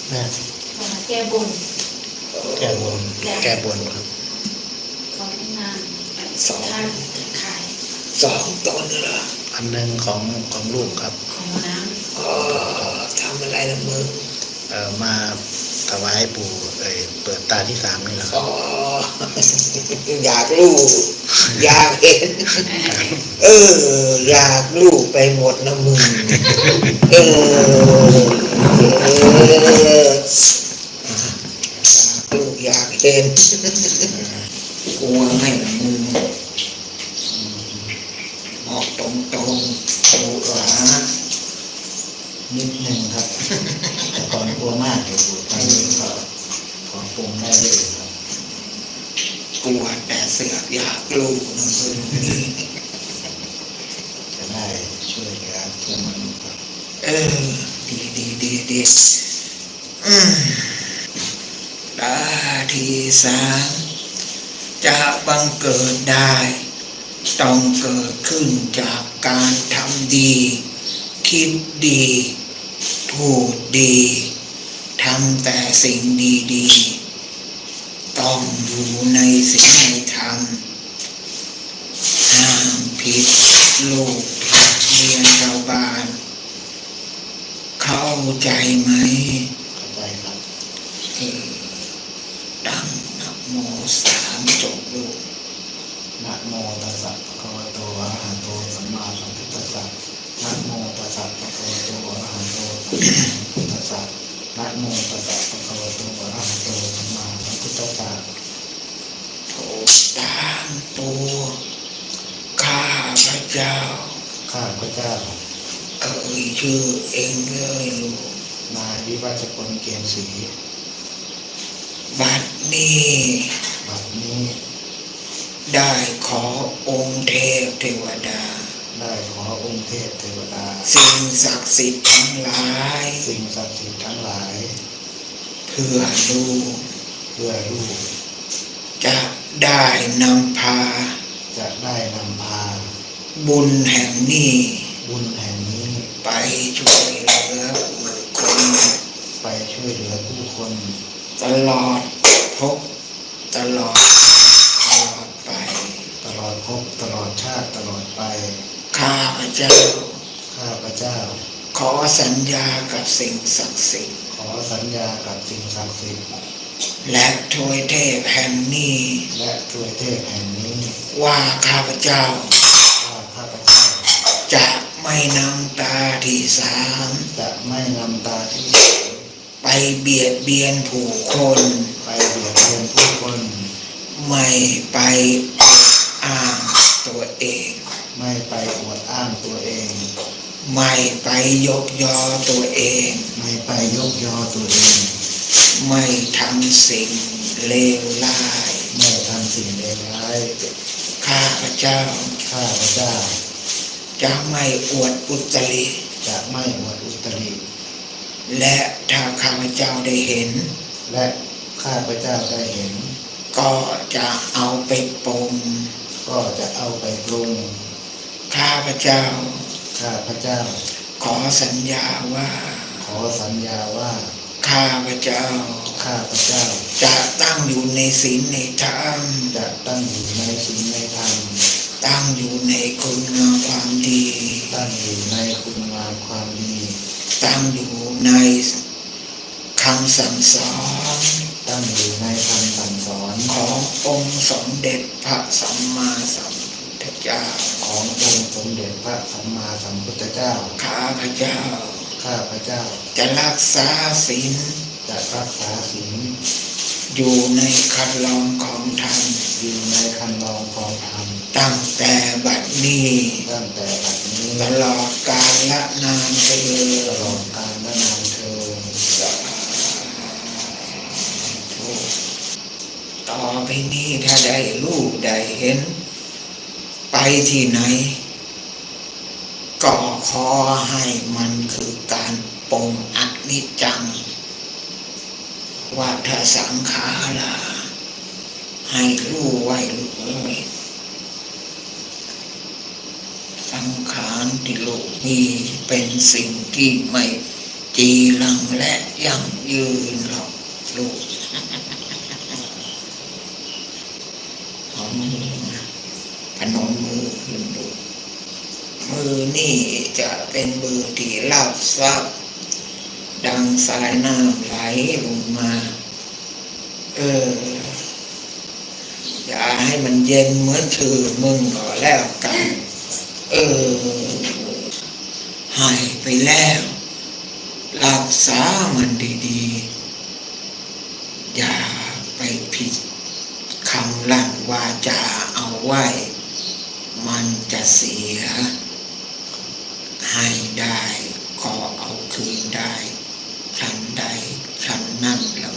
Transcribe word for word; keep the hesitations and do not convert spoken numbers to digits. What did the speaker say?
แม่แก้บนแก้บนแก้บนครับของนางสองขายสองตนเหรออันหนึ่งของของลูกครับของน้ำอ๋อทำอะไรนะมึงเอ่อมาถวายปู่เอ่ยเปิดตาที่สามนี่แหละครัอ๋บออยากรู้อยากเห็นเอออยากรู้ไปหมดนะมึงเออลูกอยากเห็นกลัวไม่ละมึงบอกตรงๆดูหลานิดหนึ่งครับแต่ก่อนกลัวมากอยู่ตอนนี้ก็ขอปรุงได้เลยครับกลัวแต่เสือกอยากรู้นะมึงจะได้ช่วยเหลือเพื่อนมนุษย์ครับเออดีดีดีดีอืมตาที่สามจะบังเกิดได้ต้องเกิดขึ้นจากการทำดีคิดดีพูดดีทำแต่สิ่งดีๆต้องอยู่ในศีลในธรรมห้ามผิดลูกเมียชาวบ้านเข้าใจไหมเข้าใจครับเออดังนะโมสามจบลูกนะโมตัสสะภะคะวะโตอะระหะโตสัมมาสัมพุทธัสสะนะโมตัสสะภะคะวะโตอะระหะโตสัมมาสัมพุทธัสสะนะโมตัสสะภะคะวะโตอะระหะโตสัมมาสัมพุทธัสสะโทตามตัวข้าพระเจ้าข้าพระเจ้าเอ่ยชื่อเองเลยลูกนายวิวัฒพลเกมศรีบัดนี้บัดนี้ได้ขอองค์เทพเทวดาได้ขอองค์เทพเทวดาสิ่งศักดิ์สิทธิ์ทั้งหลายสิ่งศักดิ์สิทธิ์ทั้งหลายเพื่อลูกเพื่อลูกจะได้นำพาจะได้นำพาบุญแห่งนี้บุญแห่งนี้ไปช่วยเหลือผู้คนไปช่วยเหลือผู้คนตลอดพบตลอดตลอดไปตลอดพบตลอดชาติตลอดไปข้าพเจ้าข้าพเจ้าขอสัญญากับสิ่งศักดิ์สิทธิ์ขอสัญญากับสิ่งศักดิ์สิทธิ์และทวยเทพแห่งนี้และทวยเทพแห่งนี้ว่าข้าพเจ้าว่าข้าพเจ้าจะไม่นำตาที่สามจะไม่นำตาที่ไปเบียดเบียนผู้คนไปเบียดเบียนผู้คนไม่ไปอ้างตัวเองไม่ไปอวดอ้างตัวเองไม่ไปยกยอตัวเองไม่ไปยกยอตัวเองไม่ทำสิ่งเลวร้ายไม่ทำสิ่งเลวร้ายข้าพเจ้าข้าพเจ้าจะไม่อวดอุตริจะไม่อวดอุตริและถ้าข้าพเจ้าได้เห็นและข้าพเจ้าได้เห็นก็จะเอาไปปรุงก็จะเอาไปปรุงข้าพเจ้าข้าพเจ้าขอสัญญาว่าขอสัญญาว่าข้าพเจ้าข้าพเจ้าจะตั้งอยู่ในศีลในธรรมจะตั้งอยู่ในศีลในธรรมตั้งอยู่ในคุณงามความดีตั้งอยู่ในคุณงามความดีตั้งอยู่ในคำสั่งสอนตั้งอยู่ในคำสั่งสอนขององค์สมเด็จพระสัมมาสัมพุทธเจ้าขององค์สมเด็จพระสัมมาสัมพุทธเจ้าข้าพเจ้าข้าพเจ้าจะรักษาศีลจะรักษาศีลอยู่ในคันลองของธรรมอยู่ในคันลองของธรรมตั้งแต่บัดนี้ตั้งแต่บัดนี้ตลอดกาลนานเถิดตลอดกาลนานเถิดต่อไปนี้ถ้าได้รู้ได้เห็นไปที่ไหนก็ขอให้มันคือการปรงอนิจจังวัฏสังขาราให้รู้ไว้รู้เลยสังขารที่โลกนี้เป็นสิ่งที่ไม่จีรังและยั่งยืนหรอกลูกเอามือมาพนมมือขึ้นดูมือนี่จะเป็นมือที่รับทรัพย์ดังสายน้ำไหลลงมาเอออย่าให้มันเย็นเหมือนชื่อมึงก็แล้วกันเออให้ไปแล้วรักษามันดีๆอย่าไปผิดคำลั่นวาจาเอาไว้มันจะเสียให้ได้ขอเอาคืนได้ครั้นใดครั้นนั้นแล้ว